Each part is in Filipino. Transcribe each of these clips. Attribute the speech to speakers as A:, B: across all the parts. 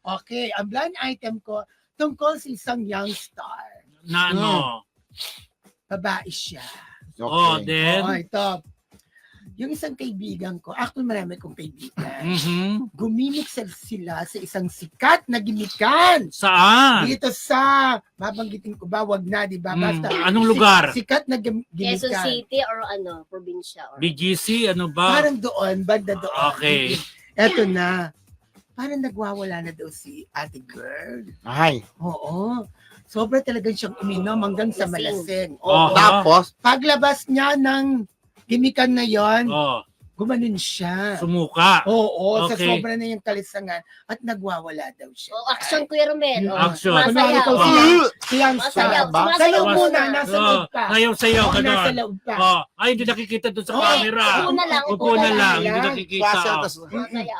A: Okay, ang blind item ko tungkol sa isang young star.
B: Na ano?
A: Babae siya.
B: Oh, then?
A: Oh, ito. Yung isang kaibigan ko, actually marami kong kaibigan, gumimik sila sa isang sikat na gimikan.
B: Saan?
A: Dito sa, babanggitin ko ba, wag na, di ba? Basta,
B: Anong lugar?
A: Sikat na
C: Quezon
A: gimikan.
C: City or ano, probinsya? Or...
B: BGC, ano ba?
A: Parang doon, banda doon.
B: Okay.
A: Eto na, parang nagwawala na daw si ate girl.
D: Ay.
A: Oo. Sobra talagang siyang uminom hanggang sa malasing.
B: Oo.
D: Tapos,
A: Paglabas niya ng gimikan na yon,
B: Oh,
A: gumanon siya.
B: sumuka.
A: Oo, sa
B: Okay.
A: sobra na yung kalisangan at nagwawala daw siya.
C: Oh, action Kuya Romel. Oh,
B: Action.
A: Kunwari ikaw
C: Masayaw.
A: siyang
C: Masayaw.
A: ba? Sa
C: Sumasayaw
A: loob muna,
C: muna.
A: nasa loob pa.
B: Sayaw-sayaw
A: Oo,
B: ka
A: nasa
B: doon.
A: loob pa.
B: Oh, ay, hindi nakikita doon sa
A: Oo,
B: camera.
C: upo na lang,
B: Upo na lang, hindi
A: Yan.
B: nakikita.
C: Masayaw.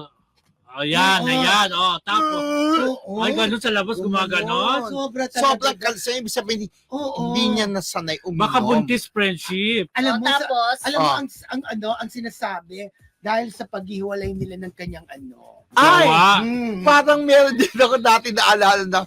B: Ayan,
A: Oo.
B: ayan. Oh, tapos,
A: Oo.
B: ay, ganun sa labas, gumaganon.
A: Sobra talaga.
D: sobrang kalsa, ibig sabihin,
A: Oo.
D: hindi niya nasanay uminom.
B: Baka buntis friendship.
A: Alam mo,
C: Tapos,
A: alam mo ang sinasabi dahil sa paghiwalay nila ng kanyang
D: Ay!
B: Gawa.
D: Parang meron din ako dati naalala na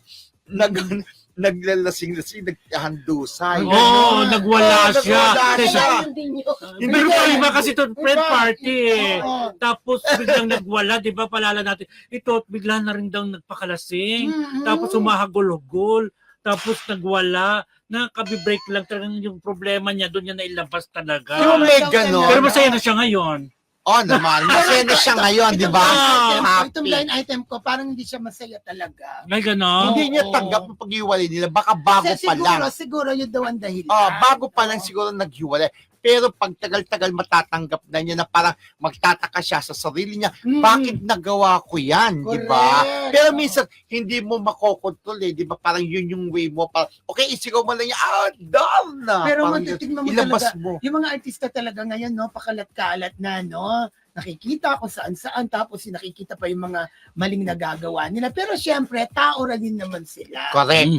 D: naglalasing-lasing, naghandusay.
B: Oo, nagwala siya.
D: nagwala
B: Kasi
D: siya.
C: yun din yun.
B: Hindi ko pa iba kasi ito, friend
A: Iba.
B: party eh.
A: Oo.
B: Tapos biglang nagwala, di ba? Palala natin. Ito, bigla na rin daw nagpakalasing. Tapos humahagul-hugol. Tapos nagwala. Nakabibreak lang talagang yung problema niya. Doon niya nailabas talaga.
D: Yung may ganon.
B: Pero masaya na siya ngayon.
D: Oh, naman. Masaya na siya ngayon, di ba?
A: Itong line item ko, parang hindi siya masaya talaga.
B: May ganon.
D: Hindi niya tanggap ang paghiwalay nila. Baka bago pa lang.
A: Siguro yun daw ang dahilan.
D: Bago pa lang siguro naghiwalay. Pero pag tagal-tagal matatanggap na niya na parang magtataka siya sa sarili niya, bakit nagawa ko yan, di ba?
A: Correct.
D: Pero minsan, hindi mo makokontrol eh, di ba? Parang yun yung way mo. Parang, okay, isigaw mo lang niya, darn na.
A: Pero
D: Parang
A: matitignan mo
D: ilabas
A: talaga,
D: mo.
A: yung mga artista talaga ngayon, no, pakalat-kalat na, no, nakikita kung saan-saan, tapos nakikita pa yung mga maling nagagawa nila. Pero syempre, tao rin naman sila.
D: Correct.